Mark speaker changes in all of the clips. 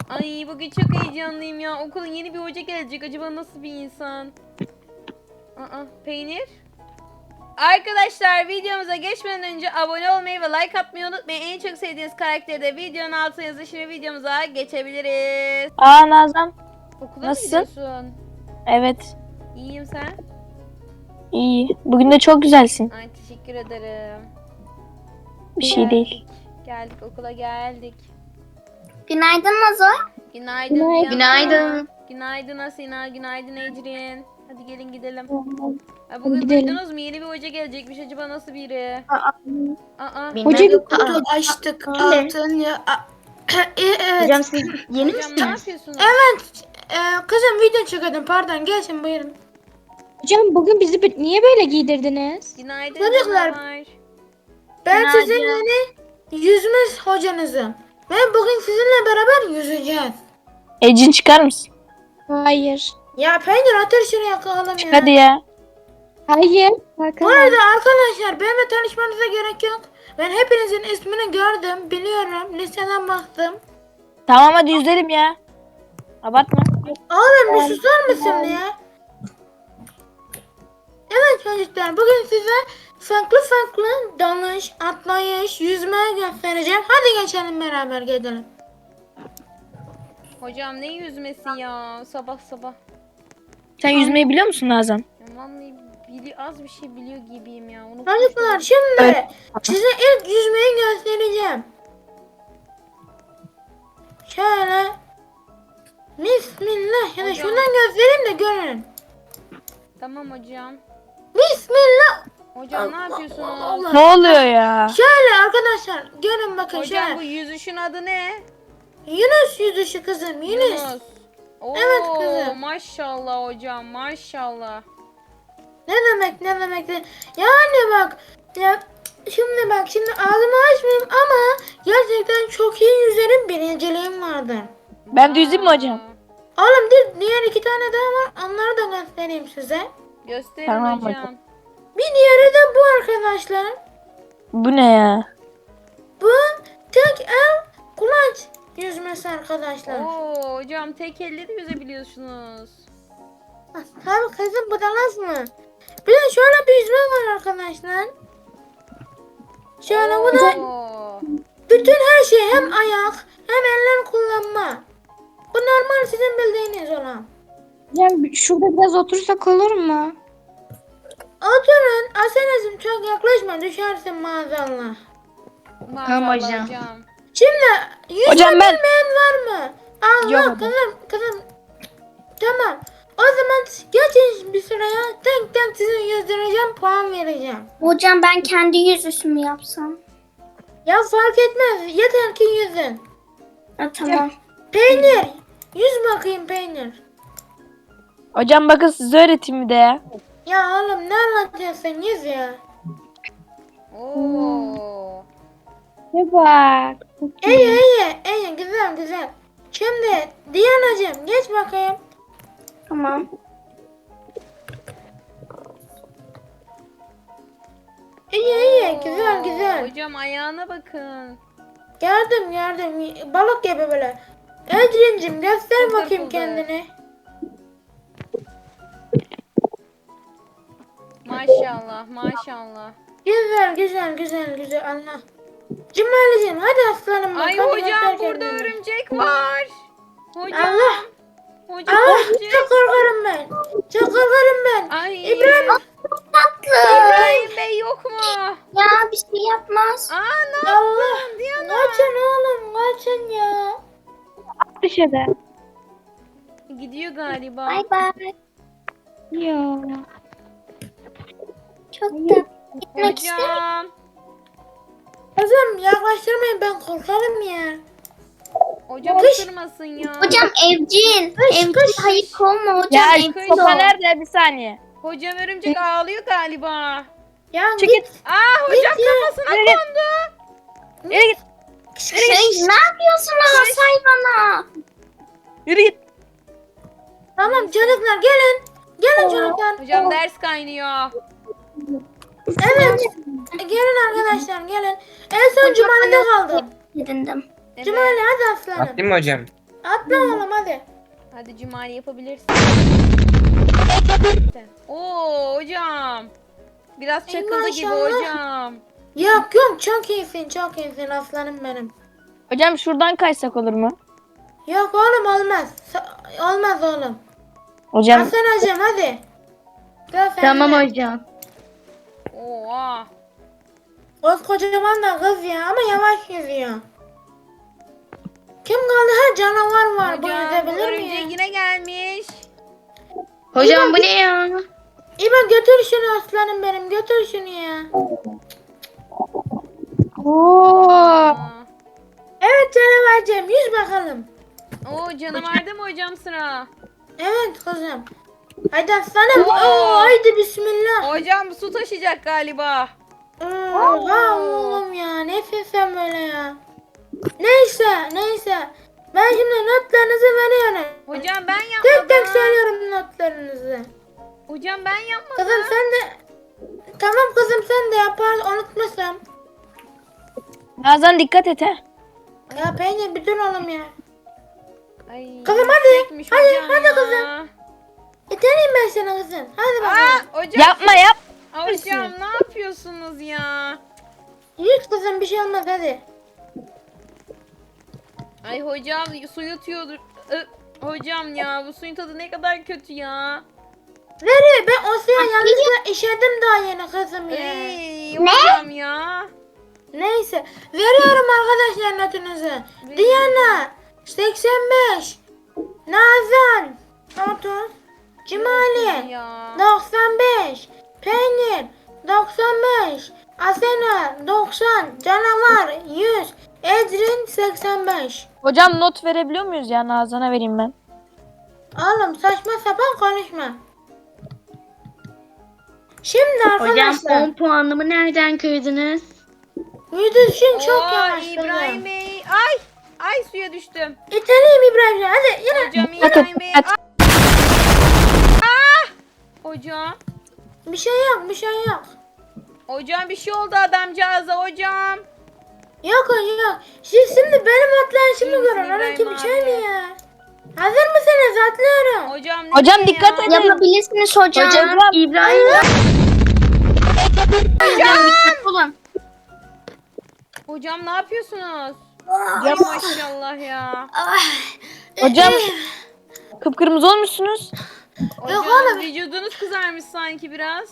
Speaker 1: Ay bugün çok heyecanlıyım ya. Okula yeni bir hoca gelecek. Acaba nasıl bir insan? Peynir. Arkadaşlar videomuza geçmeden önce abone olmayı ve like atmayı unutmayın. En çok sevdiğiniz karakteri de videonun altına yazın. Şimdi videomuza geçebiliriz.
Speaker 2: Nazan.
Speaker 1: Okula
Speaker 2: Nasılsın?
Speaker 1: mı gidiyorsun?
Speaker 2: Evet.
Speaker 1: İyiyim, sen?
Speaker 2: İyi. Bugün de çok güzelsin.
Speaker 1: Ay teşekkür ederim.
Speaker 2: Bir şey değil.
Speaker 1: Geldik okula geldik.
Speaker 3: Günaydın Nazo.
Speaker 1: Günaydın
Speaker 2: Günaydın.
Speaker 1: Diana.
Speaker 3: Günaydın.
Speaker 1: Günaydın Asena. Günaydın Ecrin. Hadi gelin gidelim. Ay, bugün
Speaker 2: Gidelim.
Speaker 1: duydunuz mu? Yeni bir hoca gelecekmiş. Acaba nasıl biri? Aa.
Speaker 3: Hoca
Speaker 4: Kutu açtık altın ya. Evet.
Speaker 3: Hocam siz yeni
Speaker 1: Hocam ne
Speaker 3: misiniz?
Speaker 1: yapıyorsunuz?
Speaker 4: Kızım video çekelim pardon gelsin buyurun.
Speaker 2: Hocam bugün bizi niye böyle giydirdiniz?
Speaker 1: Günaydın
Speaker 4: Çocuklar.
Speaker 1: canavar.
Speaker 4: Ben
Speaker 3: Günaydın.
Speaker 4: sizin yeni yüzme hocanızım. Ve bugün sizinle beraber yüzeceğiz.
Speaker 2: Ecin çıkar mısın? Hayır.
Speaker 4: Ya peynir atır şuraya yakalım
Speaker 2: Çık
Speaker 4: ya.
Speaker 2: hadi ya. Hayır.
Speaker 4: Bu arada arkadaşlar benimle tanışmanıza gerek yok. Ben hepinizin ismini gördüm, biliyorum. Listeden baktım.
Speaker 2: Tamam hadi yüzelim ya. Abartma.
Speaker 4: Oğlum bir susar mısın ya? Evet çocuklar bugün size farklı dalış, atlayış, yüzme göstereceğim. Hadi geçelim beraber gidelim.
Speaker 1: Hocam ne yüzmesi ya? Sabah sabah.
Speaker 2: Sen yüzmeyi biliyor musun Nazan?
Speaker 1: Ya vallahi az bir şey biliyor gibiyim ya.
Speaker 4: Çocuklar şimdi size ilk yüzmeyi göstereceğim. Şöyle. Bismillah. Ya da
Speaker 1: Hocam.
Speaker 4: şundan göstereyim de görün.
Speaker 1: Tamam hocam.
Speaker 4: Bismillah.
Speaker 1: Hocam ne
Speaker 4: Allah,
Speaker 1: yapıyorsunuz?
Speaker 4: Allah.
Speaker 2: Ne oluyor ya?
Speaker 4: Şöyle arkadaşlar görün bakın
Speaker 1: Hocam
Speaker 4: şöyle.
Speaker 1: bu yüzüşün adı ne?
Speaker 4: Yunus yüzüşü kızım Yunus.
Speaker 1: Oo,
Speaker 4: Evet kızım.
Speaker 1: Maşallah hocam maşallah.
Speaker 4: Ne demek de. Yani bak ya şimdi ağzımı açmayayım ama gerçekten çok iyi yüzerim, birinciliğim vardır.
Speaker 2: Ben de yüzeyim mi hocam?
Speaker 4: Oğlum diğer iki tane daha var, onları da göstereyim size.
Speaker 1: Gösterin
Speaker 2: Tamam
Speaker 1: hocam.
Speaker 4: Bir diğeri de bu arkadaşlar.
Speaker 2: Bu ne ya?
Speaker 4: Bu tek el kulaç yüzmesi arkadaşlar.
Speaker 1: Oo hocam tek elle de yüzebiliyorsunuz.
Speaker 4: Tabii kızım bu da nasıl mı? Bir de şöyle bir yüzme var arkadaşlar. Şöyle bu da
Speaker 1: Oo.
Speaker 4: bütün her şey, hem ayak hem eller kullanma. Bu normal sizin bildiğiniz olan.
Speaker 2: Hocam şurada biraz otursak olur mu?
Speaker 4: Oturun Asena'cığım, çok yaklaşma düşersin maazallah.
Speaker 1: Maşallah
Speaker 3: hocam.
Speaker 1: hocam.
Speaker 4: Şimdi yüzme
Speaker 2: Hocam ben-
Speaker 4: bilmeyen var mı? Allah
Speaker 2: Yok hocam.
Speaker 4: kızım. Tamam. O zaman geçin bir sıraya, tek sizi yüzdüreceğim, puan vereceğim.
Speaker 3: Hocam ben kendi yüzüşümü yapsam.
Speaker 4: Ya fark etmez, yeter ki yüzün.
Speaker 3: Ha, tamam.
Speaker 4: Peynir, yüz bakayım peynir.
Speaker 2: Hocam bakın size öğreteyim bir de ya.
Speaker 4: Ya oğlum ne anlatıyorsun, yüz ya.
Speaker 1: Oo.
Speaker 2: Ne bak.
Speaker 4: İyi, güzel. Şimdi Diyanacığım geç bakayım.
Speaker 3: Tamam.
Speaker 4: İyi,
Speaker 1: Oo,
Speaker 4: güzel.
Speaker 1: Hocam ayağına bakın.
Speaker 4: Gördüm. Balık gibi böyle. Ecrin'cim göster
Speaker 1: Fıldır
Speaker 4: bakayım
Speaker 1: fıldır.
Speaker 4: kendini.
Speaker 1: Maşallah maşallah.
Speaker 4: Güzel. Allah. Cumali'cim hadi aslanım bak.
Speaker 1: Ay
Speaker 4: hadi
Speaker 1: hocam
Speaker 4: göster
Speaker 1: burada
Speaker 4: kendini.
Speaker 1: örümcek var. Hocam.
Speaker 4: Allah.
Speaker 1: Hocam
Speaker 4: Allah
Speaker 1: örümcek.
Speaker 4: çok korkarım ben.
Speaker 1: Ay.
Speaker 4: İbrahim.
Speaker 1: İbrahim Bey yok mu?
Speaker 3: Ya bir şey yapmaz.
Speaker 1: Aa ne
Speaker 4: Allah.
Speaker 1: yaptın Diana?
Speaker 4: Kaçın oğlum kaçın ya.
Speaker 2: Dışarı.
Speaker 1: Gidiyor galiba.
Speaker 3: Bay bay.
Speaker 2: Ya.
Speaker 3: Çok da gitmek isterim.
Speaker 1: Hocam.
Speaker 4: Kızım yaklaştırmayın, ben korkarım ya.
Speaker 1: Hocam
Speaker 4: Kış.
Speaker 1: ısırmasın ya.
Speaker 3: Hocam evcil. Evcil hayır olma hocam.
Speaker 2: Ya
Speaker 3: Evcil
Speaker 2: sopa
Speaker 3: ol.
Speaker 2: nerede? Bir saniye.
Speaker 1: Hocam örümcek ağlıyor galiba.
Speaker 4: Ya
Speaker 2: Çekil.
Speaker 4: git.
Speaker 1: Aa hocam
Speaker 4: Git ya.
Speaker 1: kafasına
Speaker 2: Yürü git.
Speaker 1: kondu.
Speaker 2: Yürü git.
Speaker 3: Ne yapıyorsunuz hayvana?
Speaker 2: Yürü git.
Speaker 4: Tamam çocuklar gelin. Gelin çocuklar.
Speaker 1: Hocam ders kaynıyor.
Speaker 4: Evet. Gelin arkadaşlar gelin. En son Cumali'de kaldım.
Speaker 3: Edindim.
Speaker 1: Evet.
Speaker 4: Cumali hadi aslanım.
Speaker 5: Atlayayım mı hocam?
Speaker 4: Atla oğlum hadi.
Speaker 1: Hadi Cumali yapabilirsin. Oo hocam. Biraz çakıldı gibi
Speaker 4: maşallah.
Speaker 1: hocam.
Speaker 4: Yok yok çok iyisin çok iyisin aslanım benim.
Speaker 2: Hocam şuradan kaçsak olur mu?
Speaker 4: Yok oğlum olmaz. Olmaz oğlum.
Speaker 2: Hocam
Speaker 4: Hasan hocam hadi. Gel sen
Speaker 2: tamam
Speaker 4: de.
Speaker 2: hocam.
Speaker 1: Oha.
Speaker 4: Kocaman da kız ya ama yavaş yüzüyor. Kim kaldı? Ha canavar var. Bu
Speaker 1: Hocam
Speaker 4: yüzebilir mi
Speaker 1: örümcek
Speaker 4: ya?
Speaker 1: yine gelmiş.
Speaker 2: Hocam bu ne ya?
Speaker 4: İbo götür şunu aslanım benim. Götür şunu ya.
Speaker 2: Oo.
Speaker 1: Aa.
Speaker 4: Evet canavarcığım yüz bakalım.
Speaker 1: Oo canavarda mı hocam sıra?
Speaker 4: Evet kızım. Haydi aslanım.
Speaker 1: Oo.
Speaker 4: Oo, haydi bismillah.
Speaker 1: Hocam su taşıyacak galiba.
Speaker 4: Oha oğlum ya. Nefes sen böyle ya. Neyse. Ben şimdi notlarınızı veriyorum.
Speaker 1: Hocam ben
Speaker 4: Tek tek
Speaker 1: yapmadım.
Speaker 4: söylüyorum notlarınızı.
Speaker 1: Hocam ben yapmadım.
Speaker 4: Kızım sen de... Tamam kızım sen de yapar unutmasam.
Speaker 2: Nazan dikkat et he.
Speaker 4: Ya peynir bir dur oğlum ya.
Speaker 1: Ay,
Speaker 4: Kızım hadi.
Speaker 1: yüksekmiş
Speaker 4: Hadi,
Speaker 1: hocam
Speaker 4: hadi
Speaker 1: ya.
Speaker 4: kızım. İteleyim ben seni kızım. Hadi bakalım.
Speaker 1: Aa, hocam.
Speaker 2: Yapma yap.
Speaker 1: Hocam ne yapıyorsunuz ya?
Speaker 4: Yürü kızım bir şey olmaz hadi.
Speaker 1: Ay hocam su yutuyordur. Hocam ya bu suyun tadı ne kadar kötü ya.
Speaker 4: Veriyor ben o suya yanlışlıkla işedim daha yeni kızım ya.
Speaker 1: Ey hocam ya.
Speaker 4: Neyse veriyorum arkadaşlar notunuzu. Diana 85. Nazan 30. Cumali
Speaker 1: Ya.
Speaker 4: 95. Peynir 95. Asena 90. Canavar 100. Ecrin 85.
Speaker 2: Hocam not verebiliyor muyuz ya? Nazan'a vereyim ben.
Speaker 4: Oğlum saçma sapan konuşma. Şimdi arkadaşlar.
Speaker 2: puanımı nereden kırdınız?
Speaker 4: Yüzüşün çok
Speaker 1: Oo,
Speaker 4: yavaş.
Speaker 1: İbrahim
Speaker 4: kızım.
Speaker 1: Bey. Ay suya düştüm.
Speaker 4: İteleyim İbrahim. Hadi yürü.
Speaker 1: Hocam
Speaker 2: Hadi,
Speaker 1: İbrahim Bey.
Speaker 2: hadi.
Speaker 1: Hocam.
Speaker 4: Bir şey yok.
Speaker 1: Hocam bir şey oldu adamcağıza hocam.
Speaker 4: Yok. Şimdi benim atlayışımı
Speaker 1: İyi misin
Speaker 4: görün. Ana
Speaker 1: İbrahim
Speaker 4: ki bir şey
Speaker 1: abi?
Speaker 4: mi ya? Hazır mısınız? Atlıyorum.
Speaker 1: Hocam ne
Speaker 2: Hocam
Speaker 1: ya?
Speaker 2: dikkat edin.
Speaker 3: Yapabilirsiniz hocam.
Speaker 2: İbrahim.
Speaker 1: Hocam ne yapıyorsunuz? Ay maşallah ya.
Speaker 2: Hocam kıpkırmızı olmuşsunuz.
Speaker 1: Hocam
Speaker 4: oğlum.
Speaker 1: vücudunuz kızarmış sanki biraz.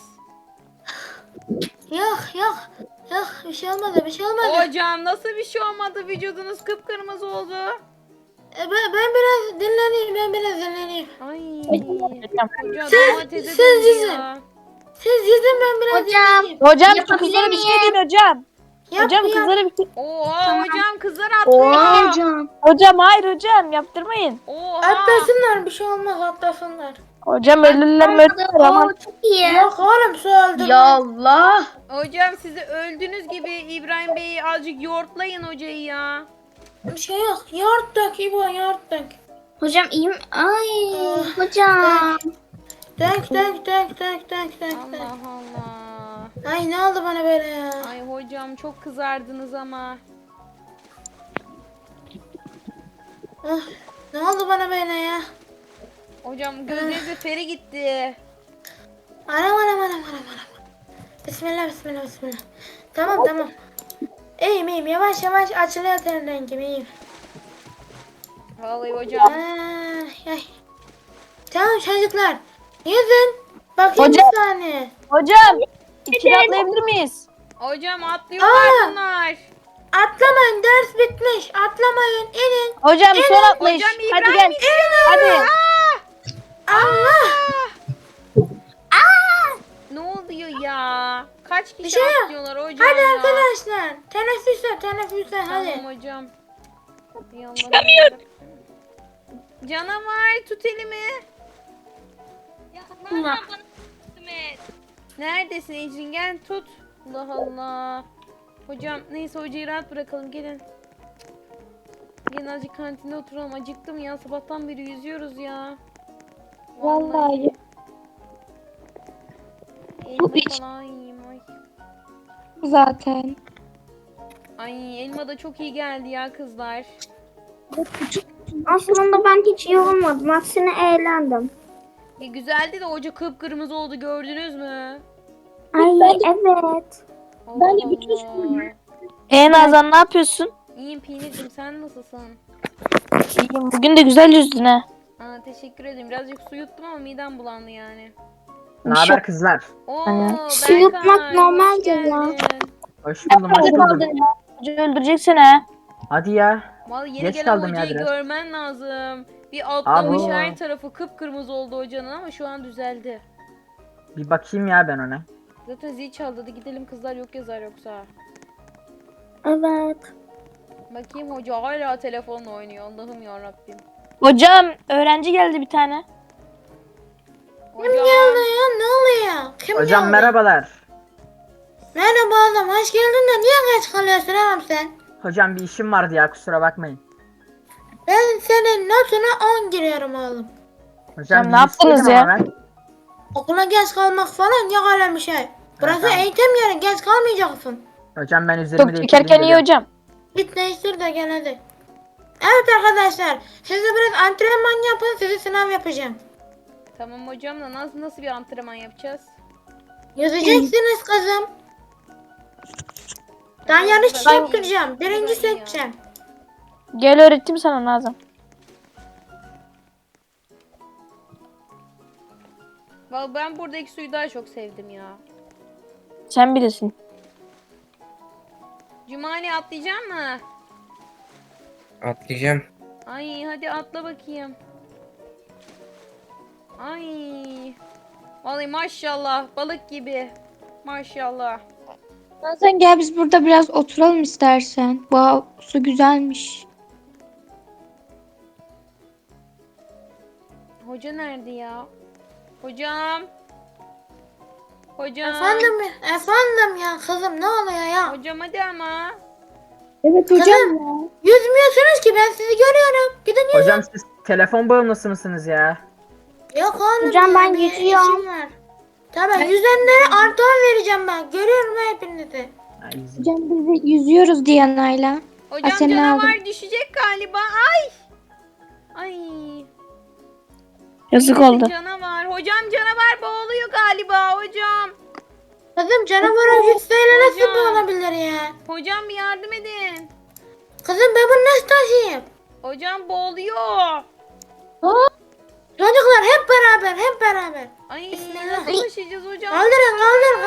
Speaker 4: Yok. Bir şey olmadı.
Speaker 1: Hocam nasıl bir şey olmadı? Vücudunuz kıpkırmızı oldu.
Speaker 4: Ben biraz dinleneyim.
Speaker 1: Ay.
Speaker 2: Hocam.
Speaker 1: Hocam
Speaker 4: Siz-
Speaker 1: domatese
Speaker 4: siz
Speaker 1: döndü
Speaker 4: yüzün.
Speaker 1: ya.
Speaker 4: Siz yüzün ben biraz
Speaker 3: Hocam.
Speaker 4: dinleneyim.
Speaker 2: Hocam şu
Speaker 3: Yapabilir
Speaker 2: kızlara bir şey
Speaker 3: miyim?
Speaker 2: deyin hocam.
Speaker 4: Yap,
Speaker 2: Hocam
Speaker 4: yap.
Speaker 2: kızlara bir şey.
Speaker 1: Oha hocam kızlar atlıyor.
Speaker 2: Hocam hayır hocam yaptırmayın.
Speaker 1: Oha.
Speaker 4: Atlasınlar bir şey olmaz atlasınlar.
Speaker 2: Hocam ölürler ama.
Speaker 3: Oo, çok iyi.
Speaker 4: Yok oğlum su öldü.
Speaker 2: Allah.
Speaker 1: Hocam sizi öldüğünüz gibi İbrahim Bey'i azıcık yoğurtlayın hocayı ya.
Speaker 4: Bir şey yok. Yoğurt dök İbo yoğurt dök.
Speaker 3: Hocam iyi mi? Ay
Speaker 4: Oh.
Speaker 3: hocam.
Speaker 4: Dök.
Speaker 1: Allah Allah.
Speaker 4: Ay ne oldu bana böyle ya?
Speaker 1: Ay hocam çok kızardınız ama.
Speaker 4: Ah, ne oldu bana böyle ya?
Speaker 1: Hocam gözünüzde feri gitti.
Speaker 4: Anam. Bismillah. Tamam. İyiyim. Yavaş açılıyor ten rengim iyiyim.
Speaker 1: Vallahi hocam.
Speaker 4: Ay. Tamam çocuklar. Yüzün. Bakayım
Speaker 2: Hocam.
Speaker 4: bir saniye.
Speaker 2: Hocam içeri atlayabilir miyiz?
Speaker 1: Hocam atlıyorlar
Speaker 4: Aa.
Speaker 1: bunlar.
Speaker 4: Atlamayın ders bitmiş. Atlamayın inin.
Speaker 2: Hocam son atlayış.
Speaker 1: Hocam
Speaker 2: Hadi
Speaker 1: İbrahim
Speaker 2: gel.
Speaker 1: iniyor.
Speaker 2: Hadi.
Speaker 4: Allah.
Speaker 1: Ne oluyor ya? Kaç
Speaker 4: Bir
Speaker 1: kişi
Speaker 4: şey yok.
Speaker 1: atlıyorlar hocam
Speaker 4: Hadi
Speaker 1: ya?
Speaker 4: arkadaşlar. Teneffüse hadi.
Speaker 1: Tamam hocam. Çıkamıyorum. Canavar tut elimi. Neredesin Ecrin gel tut. Allah Allah. Hocam neyse hocayı rahat bırakalım gelin. Gelin azıcık kantinde oturalım. Acıktım ya sabahtan beri yüzüyoruz ya.
Speaker 2: Vallahi.
Speaker 1: Elma falan yiyeyim ay.
Speaker 2: Zaten.
Speaker 1: Ay elma da çok iyi geldi ya kızlar.
Speaker 3: Aslında ben hiç iyi olmadım. Aksine eğlendim.
Speaker 1: Güzeldi de hoca kıpkırmızı oldu, gördünüz mü?
Speaker 3: Ay evet.
Speaker 2: Ben de
Speaker 1: Allah
Speaker 2: bütün
Speaker 1: Allah.
Speaker 5: Nazan ne yapıyorsun?
Speaker 1: İyiyim Peynir'cim, sen nasılsın?
Speaker 5: İyiyim. Bugün de güzel yüzdün ha.
Speaker 1: Aa, teşekkür ederim. Birazcık su yuttum ama midem bulandı yani.
Speaker 6: Ne haber kızlar?
Speaker 1: Oo,
Speaker 5: Aynen.
Speaker 3: Su yutmak
Speaker 1: Berkay,
Speaker 3: normaldir
Speaker 1: hoş
Speaker 3: ya.
Speaker 1: geldin.
Speaker 6: Hoş buldum, hoş buldum.
Speaker 5: Hoca öldürecek seni ha.
Speaker 6: Hadi ya.
Speaker 1: Vallahi yeni
Speaker 6: Geç
Speaker 1: gelen
Speaker 6: kaldım ya
Speaker 1: hocayı
Speaker 6: biraz.
Speaker 1: görmen lazım. Bir atlamış,
Speaker 6: Abo.
Speaker 1: her tarafı kıpkırmızı oldu hocanın ama şu an düzeldi.
Speaker 6: Bir bakayım ya ben ona.
Speaker 1: Zaten zil çaldı. Hadi gidelim, kızlar yok yazar yoksa.
Speaker 3: Evet.
Speaker 1: Bakayım, hoca hala telefonla oynuyor. Allah'ım ya Rabbim.
Speaker 5: Hocam öğrenci geldi bir tane.
Speaker 1: Hocam.
Speaker 4: Geldi ya, ne oluyor? Kim
Speaker 6: Hocam
Speaker 4: geldi?
Speaker 6: merhabalar.
Speaker 4: Merhaba oğlum, hoş geldin de niye geç kalıyorsun oğlum sen?
Speaker 6: Hocam bir işim vardı ya, kusura bakmayın.
Speaker 4: Ben senin notuna 10 giriyorum oğlum.
Speaker 6: Hocam
Speaker 5: ne
Speaker 6: bir
Speaker 5: yaptınız
Speaker 6: istedim
Speaker 5: ya?
Speaker 6: ama ben.
Speaker 4: Okula geç kalmak falan yok öyle bir şey. Burası
Speaker 6: tamam.
Speaker 4: eğitim yeri, geç kalmayacaksın.
Speaker 6: Hocam ben üzerimi
Speaker 5: Çok çekerken iyi hocam.
Speaker 4: Git değiştir de gel hadi. Evet arkadaşlar, siz de biraz antrenman yapın, sizi sınav yapacağım.
Speaker 1: Tamam hocam da nasıl bir antrenman yapacağız?
Speaker 4: Yüzeceksiniz kızım. Ben yarış
Speaker 1: Ben-
Speaker 4: yaptıracağım, birinci
Speaker 1: Ben-
Speaker 4: seçeceğim.
Speaker 5: Gel öğrettim sana Nazan.
Speaker 1: Vallahi ben buradaki suyu daha çok sevdim ya.
Speaker 5: Sen bilirsin.
Speaker 1: Cumali atlayacak mı?
Speaker 7: Atlayacağım.
Speaker 1: Ay hadi atla bakayım. Ay. Vallahi maşallah, balık gibi. Maşallah.
Speaker 2: Nazan gel biz burada biraz oturalım istersen. Bu su güzelmiş.
Speaker 1: Hoca nerede ya? Hocam. Hocam.
Speaker 4: Efendim ya kızım, ne oluyor ya?
Speaker 1: Hocam hadi ama.
Speaker 2: Evet
Speaker 4: hocam
Speaker 2: ya.
Speaker 4: Yüzmüyorsunuz ki, ben sizi görüyorum. Gidin yüzün.
Speaker 6: Hocam siz telefon bağımlısı mısınız ya?
Speaker 4: Yok oğlum
Speaker 3: Hocam,
Speaker 4: ya,
Speaker 3: ben
Speaker 4: bir
Speaker 3: yüzüyorum.
Speaker 4: işim var. Tamam, yüzenlere artı 10 vereceğim ben. Görüyorum hepinizi.
Speaker 6: Ha, easy.
Speaker 2: Hocam biz de yüzüyoruz Diyana'yla.
Speaker 1: Hocam
Speaker 2: seni
Speaker 1: canavar düşecek galiba. Ay. Ay.
Speaker 5: Yazık
Speaker 1: Birisi
Speaker 5: oldu.
Speaker 1: Canavar. Hocam canavar boğuluyor galiba hocam.
Speaker 4: Kızım canavara yüzseyle nasıl
Speaker 1: Hocam.
Speaker 4: bu olabilir ya?
Speaker 1: Hocam bir yardım edin.
Speaker 4: Kızım ben bunu nasıl taşıyayım?
Speaker 1: Hocam boğuluyor.
Speaker 4: Çocuklar hep beraber, hep beraber.
Speaker 1: Ay
Speaker 4: Bismillah.
Speaker 1: nasıl taşıyacağız hocam?
Speaker 4: Kaldırın,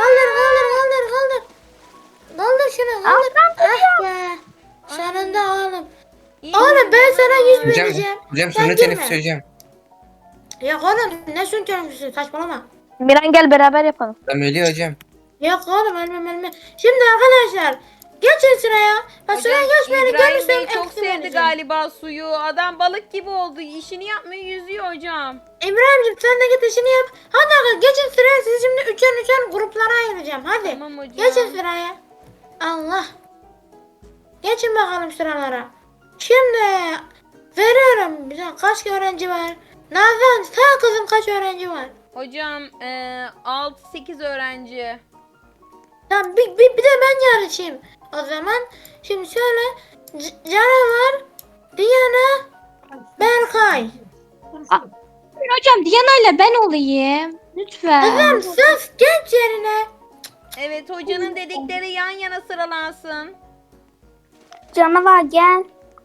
Speaker 4: kaldır. Kaldır şunu, kaldır. Ah be. Sonunda oğlum.
Speaker 1: İyi
Speaker 4: Oğlum ben sana 100
Speaker 7: Hocam,
Speaker 4: vereceğim.
Speaker 7: hocam
Speaker 4: Sen
Speaker 7: sonra
Speaker 4: girme.
Speaker 7: teneffüs hocam.
Speaker 4: Yok oğlum, ne sün teneffüsü, saçmalama.
Speaker 5: Miran gel beraber yapalım.
Speaker 7: Tamam öyle hocam.
Speaker 4: Yok oğlum, ölmem. Şimdi arkadaşlar geçin sıraya. Bak sıraya geçmeyeni
Speaker 1: İbrahim
Speaker 4: görürsem
Speaker 1: Bey çok
Speaker 4: eksi
Speaker 1: sevdi
Speaker 4: vereceğim.
Speaker 1: galiba suyu. Adam balık gibi oldu. İşini yapmıyor, yüzüyor hocam.
Speaker 4: İbrahim'cim sen de git işini yap. Hadi arkadaşlar geçin sıraya, sizi şimdi üçer gruplara ayıracağım. Hadi.
Speaker 1: Tamam hocam.
Speaker 4: Geçin sıraya. Allah. Geçin bakalım sıralara. Şimdi veriyorum. Bize kaç öğrenci var? Nazan sağ kızım, kaç öğrenci var?
Speaker 1: Hocam 6-8 öğrenci.
Speaker 4: Tamam bir de ben yarışayım. O zaman şimdi şöyle Canavar, Diana, Berkay.
Speaker 2: Hocam Diyana'yla ben olayım. Lütfen.
Speaker 4: Kızım sus, geç yerine.
Speaker 1: Evet, hocanın dedikleri yan yana sıralansın.
Speaker 3: Canavar gel.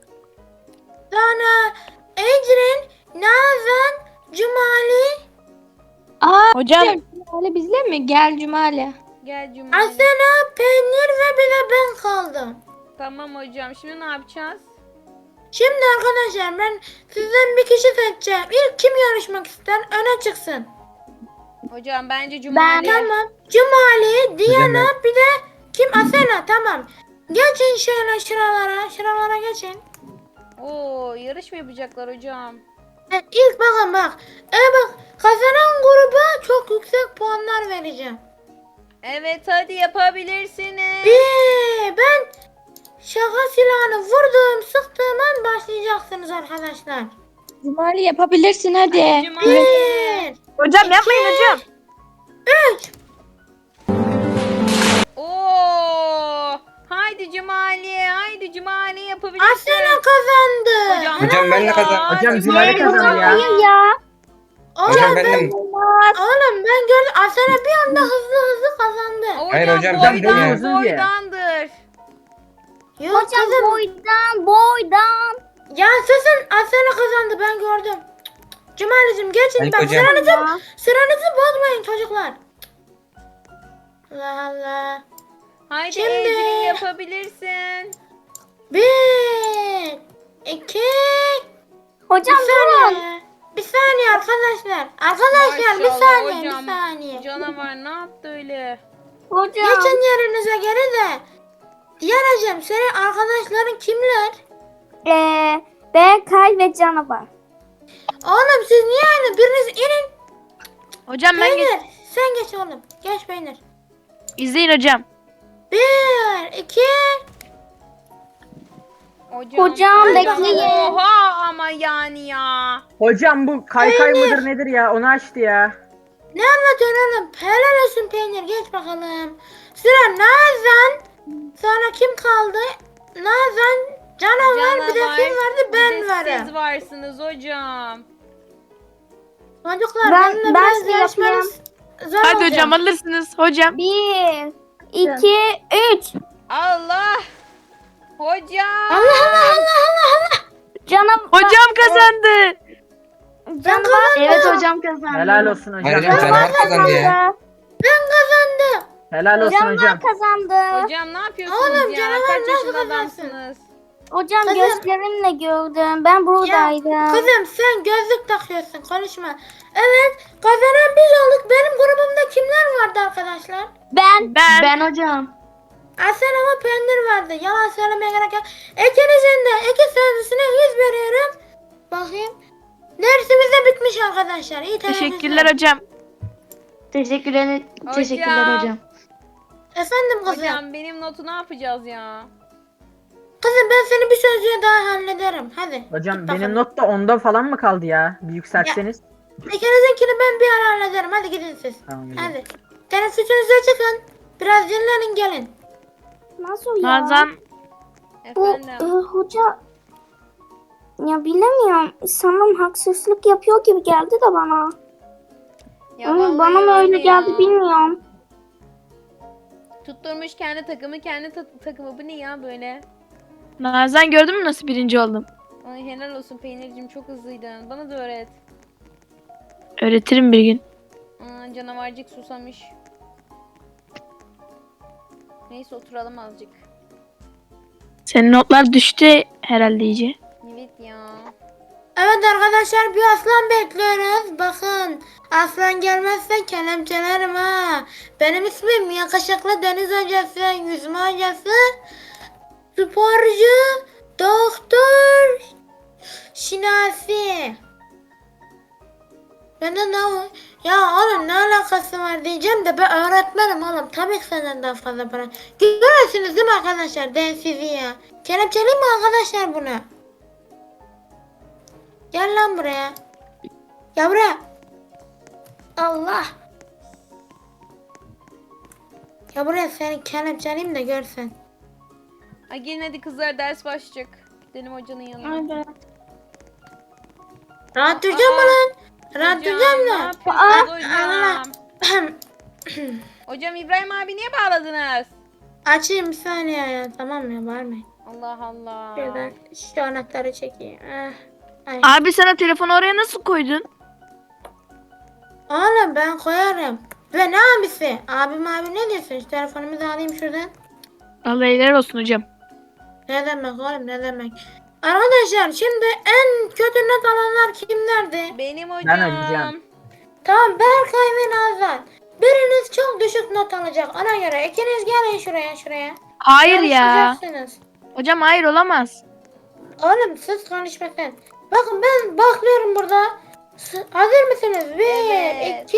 Speaker 4: Sonra Ecrin, Nazan, Cumali,
Speaker 5: Hocam
Speaker 2: Cumali bizle mi? Gel Cumali.
Speaker 1: Gel Cumali.
Speaker 4: Asena, Peynir ve bir de ben kaldım.
Speaker 1: Tamam hocam. Şimdi ne yapacağız?
Speaker 4: Şimdi arkadaşlar ben sizden bir kişi seçeceğim. İlk kim yarışmak ister öne çıksın.
Speaker 1: Hocam bence Cumali.
Speaker 4: Tamam. Cumali, Diana,
Speaker 6: Hocam
Speaker 4: bir de kim? Asena, tamam. Geçin şöyle şuralara geçin.
Speaker 1: Oo, yarış mı yapacaklar hocam?
Speaker 4: İlk bakın bak. Bak kazanan gruba çok yüksek puanlar vereceğim.
Speaker 1: Evet, hadi yapabilirsiniz.
Speaker 4: Ben şaka silahını vurduğum sıktığım an başlayacaksınız arkadaşlar.
Speaker 2: Cumali yapabilirsin hadi.
Speaker 1: Cumali.
Speaker 4: 1,
Speaker 5: hocam yapmayın hocam.
Speaker 4: 3.
Speaker 1: Oo! Haydi Haydi Cumali. Haydi Cumali yapabilirsin.
Speaker 4: Asena kazandı.
Speaker 7: Hocam ben de kazandım.
Speaker 6: Hocam
Speaker 1: Cumali
Speaker 6: Cumali kazandı ya.
Speaker 2: Hayır ya.
Speaker 7: Hocam ben de...
Speaker 4: Oğlum ben gördüm. Asena bir anda hızlı kazandı.
Speaker 7: Hayır hocam,
Speaker 6: ben
Speaker 1: boydan,
Speaker 6: boyu uzun diye.
Speaker 1: boydandır.
Speaker 4: Yok
Speaker 3: Hocam
Speaker 4: kızım.
Speaker 3: boydan.
Speaker 4: Ya susun, Asena kazandı, ben gördüm. Cumalicim geçin,
Speaker 7: Hayır
Speaker 4: bak
Speaker 7: hocam.
Speaker 4: sıranızı bozmayın çocuklar. Allah Allah.
Speaker 1: Haydi
Speaker 4: Şimdi-
Speaker 1: Ecrin yapabilirsin.
Speaker 4: 1 2
Speaker 3: Hocam durun.
Speaker 4: Bir saniye arkadaşlar. Arkadaşlar bir
Speaker 1: Maşallah
Speaker 4: saniye,
Speaker 1: hocam.
Speaker 4: bir saniye.
Speaker 1: Canavar ne yaptı öyle?
Speaker 3: Hocam.
Speaker 4: Geçin yerinize geri de. Diyeceğim, senin arkadaşların kimler?
Speaker 3: Berkay ve Canavar.
Speaker 4: Oğlum siz niye aynı? Biriniz inin.
Speaker 5: Hocam ben
Speaker 4: Peynir. Sen geç oğlum. Geç Peynir.
Speaker 5: izleyin hocam.
Speaker 4: 1 2
Speaker 3: Hocam
Speaker 4: Hadi
Speaker 3: bekleyin.
Speaker 1: Oha ama yani ya.
Speaker 6: Hocam bu kaykay mıdır nedir ya? Onu açtı ya.
Speaker 4: Ne anlatıyorsun oğlum? Helal olsun Peynir. Geç bakalım. Sıra Nazan. Sonra kim kaldı? Nazan, Canavar, bir de kim vardı?
Speaker 1: bir
Speaker 4: Ben
Speaker 1: de
Speaker 4: varım.
Speaker 1: Siz varsınız hocam.
Speaker 4: Çocuklar
Speaker 3: Ben
Speaker 4: benimle biraz
Speaker 3: şey
Speaker 4: yarışmanız zor
Speaker 5: Hadi
Speaker 4: olacak.
Speaker 5: hocam alırsınız hocam.
Speaker 3: 1, 2, 3.
Speaker 1: Allah. Hocam.
Speaker 4: Allah Allah Allah Allah Allah.
Speaker 3: Canavar.
Speaker 5: Hocam kazandı.
Speaker 3: Canavar. Evet hocam kazandı.
Speaker 6: Helal olsun
Speaker 7: Hayır
Speaker 6: hocam.
Speaker 7: hocam canavar kazandı ya.
Speaker 4: Ben kazandım.
Speaker 6: Helal olsun hocam.
Speaker 3: Canavar kazandı.
Speaker 1: Hocam ne yapıyorsunuz
Speaker 4: Oğlum,
Speaker 1: ya?
Speaker 4: canavar
Speaker 1: Kaç
Speaker 4: nasıl
Speaker 1: yaşında
Speaker 4: kazansın?
Speaker 1: adamsınız?
Speaker 3: Hocam
Speaker 4: Kızım.
Speaker 3: gözlerimle gördüm. Ben buradaydım.
Speaker 4: Kızım sen gözlük takıyorsun, konuşma. Evet, kazanan biz olduk. Benim grubumda kimler vardı arkadaşlar?
Speaker 5: Ben.
Speaker 3: hocam.
Speaker 4: Asena ve Peynir vardı. Yalan söylemeye gerek yok. İkinizin de iki sözlüsüne 100 veriyorum. Bakayım. Dersimiz de bitmiş arkadaşlar. İyi
Speaker 5: Teşekkürler hocam.
Speaker 2: Teşekkürler hocam.
Speaker 4: Efendim kızım.
Speaker 1: Hocam benim notu ne yapacağız ya?
Speaker 4: Kızım ben seni bir sözcüğe daha hallederim. Hadi.
Speaker 6: Hocam
Speaker 4: git bakalım.
Speaker 6: benim not da 10'da falan mı kaldı ya? Bir yükseltseniz.
Speaker 4: İkinizinkini ben bir ara hallederim. Hadi gidin siz.
Speaker 6: Tamam hocam.
Speaker 4: Hadi. Teneffüsünüze çıkın. Biraz dinlenin gelin.
Speaker 3: Nasıl ya?
Speaker 5: Nazan
Speaker 3: Bu
Speaker 1: Efendim.
Speaker 3: hoca ya bilemiyorum. Sanırım haksızlık yapıyor gibi geldi de bana.
Speaker 1: Ya
Speaker 3: Ama
Speaker 1: vallahi
Speaker 3: bana mı öyle
Speaker 1: ya.
Speaker 3: geldi bilmiyorum.
Speaker 1: Tutturmuş kendi takımı, kendi takımı. Bu ne ya böyle?
Speaker 5: Nazan gördün mü nasıl birinci oldum?
Speaker 1: Ay helal olsun Peynir'cim, çok hızlıydın. Bana da öğret.
Speaker 5: Öğretirim bir gün.
Speaker 1: Canavarcık susamış. Neyse oturalım azıcık.
Speaker 5: Senin notlar düştü herhalde iyice.
Speaker 1: Evet ya.
Speaker 4: Evet arkadaşlar, bir aslan bekliyoruz. Bakın, aslan gelmezse kelepçelerim ha. Benim ismim yakışıklı deniz hocası, yüzme hocası, sporcu, doktor, şinasi. Bende ne var? Ya oğlum ne alakası var diyeceğim de ben öğretmenim oğlum. Tabii ki senden daha fazla para. Görüyorsunuz değil mi arkadaşlar densizi ya? Kelepçeleyim mi arkadaşlar bunu? Gel lan buraya. Gel buraya. Allah. Ya buraya seni kelepçeleyim de görsen.
Speaker 1: Ay gelin hadi kızlar, ders başlayacak. Gidelim hocanın yanına.
Speaker 4: Rahat duracağım mı lan? Rahat
Speaker 1: Hocam,
Speaker 4: duracağım
Speaker 1: ne
Speaker 4: da.
Speaker 1: yapıyorsunuz
Speaker 4: Allah.
Speaker 1: hocam? Hocam İbrahim abi niye bağladınız?
Speaker 4: Açayım bir saniye ya. Tamam ya, bağırmayın.
Speaker 1: Allah Allah.
Speaker 4: Şuradan şu anahtarı çekeyim. Ay.
Speaker 5: Abi sana telefonu oraya nasıl koydun?
Speaker 4: Oğlum ben koyarım. Ve ne abisi? Abim abi ne diyorsun? Şu telefonumu da alayım şuradan.
Speaker 5: Allah helal olsun hocam.
Speaker 4: Ne demek oğlum, ne demek? Arkadaşlar şimdi en kötü not alanlar kimlerdi?
Speaker 1: Benim hocam.
Speaker 6: Ben hocam.
Speaker 4: Tamam, Berkay ve Nazan. Biriniz çok düşük not alacak. Ona göre ikiniz gelin şuraya.
Speaker 5: Hayır ya.
Speaker 4: Yarışacaksınız.
Speaker 5: Hocam hayır olamaz.
Speaker 4: Oğlum siz konuşmasın. Bakın ben bakıyorum burada. Hazır mısınız? Bir,
Speaker 1: Evet.
Speaker 4: iki.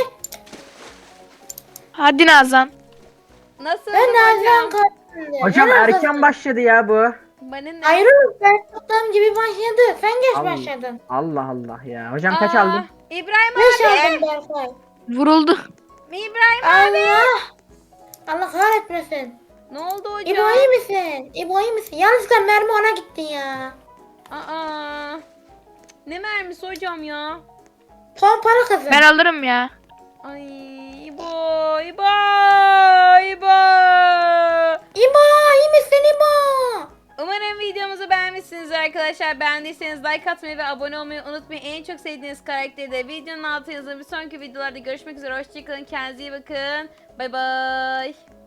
Speaker 5: Hadi Nazan.
Speaker 1: Nasıl
Speaker 4: Ben Nazan
Speaker 1: hocam?
Speaker 4: kazandı.
Speaker 6: Hocam
Speaker 4: Helal
Speaker 6: erken
Speaker 4: olsun.
Speaker 6: başladı ya bu.
Speaker 1: Bana ne?
Speaker 4: Hayır oğlum, ben tuttuğum gibi başladı. Sen geç
Speaker 6: Allah.
Speaker 4: başladın.
Speaker 6: Allah Allah ya. Hocam kaç
Speaker 1: Aa,
Speaker 6: aldın?
Speaker 1: İbrahim
Speaker 4: Beş
Speaker 1: abi.
Speaker 4: aldın Berkay.
Speaker 5: Vuruldu.
Speaker 1: İbrahim abi.
Speaker 4: Allah. Allah kahretmesin.
Speaker 1: Ne oldu hocam?
Speaker 4: İbo iyi misin? İbo iyi misin? Yanlışlıkla mermi ona gitti ya.
Speaker 1: Aa. Ne mermisi hocam ya?
Speaker 4: Pompalı kızım.
Speaker 5: Ben alırım ya.
Speaker 1: Ay İbo, İbo, İbo.
Speaker 4: İbo iyi misin İbo?
Speaker 1: Umarım videomuzu beğenmişsinizdir arkadaşlar. Beğendiyseniz like atmayı ve abone olmayı unutmayın. En çok sevdiğiniz karakteri de videonun altına yazın. Bir sonraki videolarda görüşmek üzere. Hoşçakalın. Kendinize iyi bakın. Bay bay.